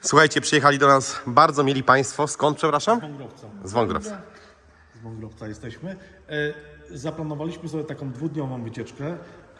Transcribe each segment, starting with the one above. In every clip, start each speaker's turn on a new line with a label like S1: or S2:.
S1: Słuchajcie, przyjechali do nas bardzo mieli Państwo. Skąd, przepraszam?
S2: Z Wągrowca.
S1: Z Wągrowca.
S2: Z Wągrowca jesteśmy. Zaplanowaliśmy sobie taką dwudniową wycieczkę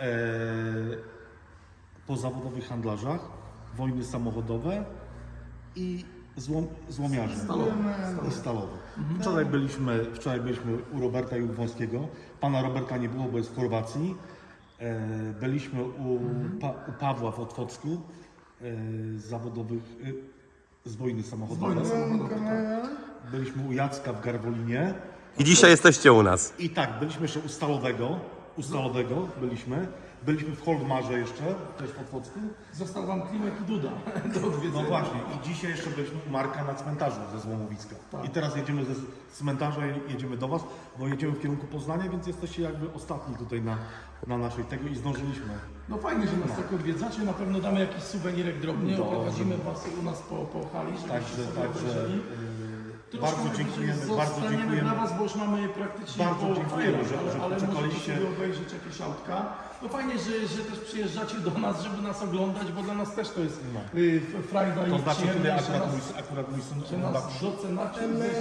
S2: po zawodowych handlarzach, wojny samochodowe i złomiarze i stalowe. Wczoraj byliśmy u Roberta Jugwąskiego. Pana Roberta nie było, bo jest w Chorwacji. Byliśmy u Pawła w Otwocku z zawodowych, z wojny samochodowej. Byliśmy u Jacka w Garwolinie.
S1: I dzisiaj jesteście u nas.
S2: I tak, byliśmy jeszcze u Stalowego byliśmy. Byliśmy w Holdmarze jeszcze, też w Otwocku.
S3: Został wam Klimek i Duda do odwiedzenia.
S2: No właśnie, i dzisiaj jeszcze byliśmy u Marka na cmentarzu ze Złomowiska. I teraz jedziemy ze cmentarza, jedziemy do Was, bo jedziemy w kierunku Poznania, więc jesteście jakby ostatni tutaj na naszej tego i zdążyliśmy.
S3: No fajnie, że nas tak odwiedzacie, na pewno damy jakiś suwenirek drobny, oprowadzimy was u nas po hali, żebyście sobie obejrzeli.
S2: Bardzo dziękujemy
S3: dla was, bo już mamy praktycznie
S2: Bardzo dziękujemy, że
S3: ale
S2: poczekaliście.
S3: możecie sobie obejrzeć jakieś autka. No fajnie, że też przyjeżdżacie do nas, żeby nas oglądać, bo dla nas też to jest frajda
S2: To
S3: i
S2: znaczy tutaj
S3: przyjemność,
S2: akurat mój syn
S3: że nas docenacie.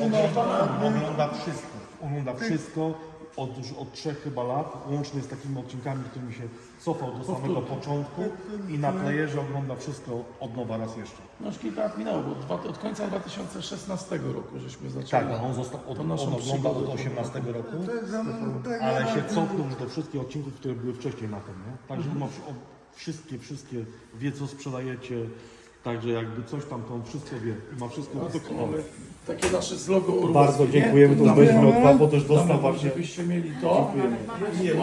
S2: ogląda wszystko od 3 chyba lat, łącznie z takimi odcinkami, którymi się cofał do samego początku i na playerze ogląda wszystko od nowa raz jeszcze.
S3: No już kilka lat minęło, bo od końca 2016 roku żeśmy zaczęli.
S2: Tak, on ogląda od
S3: przygodę.
S2: 2018 roku, ale się cofnął już do wszystkich odcinków, które były wcześniej na tym, nie? Także ma wszystkie wie, co sprzedajecie, także jakby coś tam, to on wszystko wie i ma wszystko doskonale.
S3: Takie nasze z logo Urwowskie.
S2: Bardzo dziękujemy, to weźmy od Pana, bo też dostał
S3: Damy,
S2: właśnie.
S3: żebyście mieli to.
S2: Nie,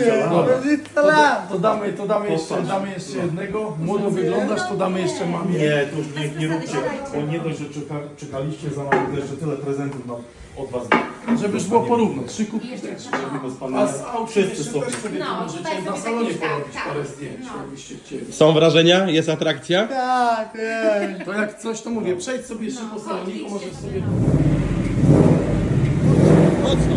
S3: To damy jeszcze jednego. Młodo wyglądasz, to damy jeszcze mamie.
S2: Nie, to już nie róbcie, bo nie dość, że czekaliście za nami, to jeszcze tyle prezentów od Was.
S3: Żeby już było porówno. 3 kubki też. A z aut
S2: Wszyscy
S3: jeszcze
S2: są.
S3: też sobie tu możecie na salonie porobić parę zdjęć, jakbyście chcieli.
S1: Są wrażenia? Jest atrakcja?
S3: To jak coś, to mówię, przejdź sobie jeszcze po saloniku, możesz sobie...
S1: Mocno.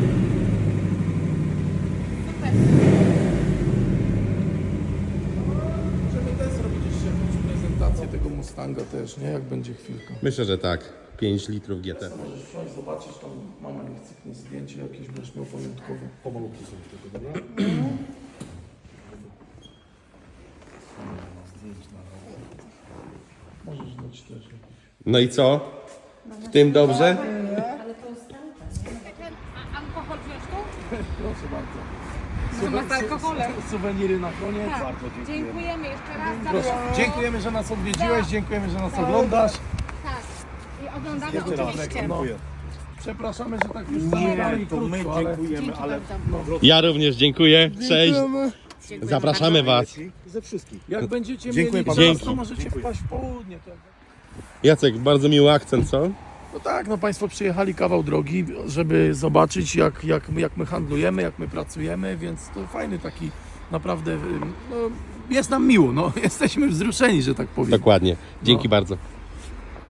S3: Możemy też zrobić jeszcze jakąś prezentację tego Mustanga też, nie? Jak będzie chwilka.
S1: Myślę, że tak. 5 litrów GT.
S3: Możesz wsiąść, zobaczyć, tam mama nie chce zdjęcie jakieś, będziesz miał pamiątkowe.
S2: Pomalutki sobie tylko, dobra?
S3: Możesz dać też jakieś.
S1: No i co? W tym dobrze?
S4: Alkohol wziąć tu?
S3: Proszę bardzo.
S4: Chyba z alkoholem.
S3: Suweniry na koniec.
S4: Tak. Dziękujemy jeszcze raz za wszystko.
S3: Dziękujemy, że nas odwiedziłeś, dziękujemy, że nas oglądasz.
S4: Tak. I oglądamy oczywiście.
S3: Przepraszamy, że tak już zagadali krótko, ale
S2: Dziękujemy, ale
S1: Ja również dziękuję. Cześć. Zapraszamy Was.
S2: ze wszystkich.
S3: jak będziecie
S2: Dziękuję
S3: mieli
S2: panu.
S3: czas, to możecie wpaść w południe. To...
S1: Jacek, bardzo miły akcent, co?
S3: No tak, no Państwo przyjechali kawał drogi, żeby zobaczyć jak my handlujemy, jak my pracujemy, więc to fajny taki naprawdę, no, jest nam miło, no, jesteśmy wzruszeni, że tak powiem.
S1: Dokładnie. Dzięki bardzo.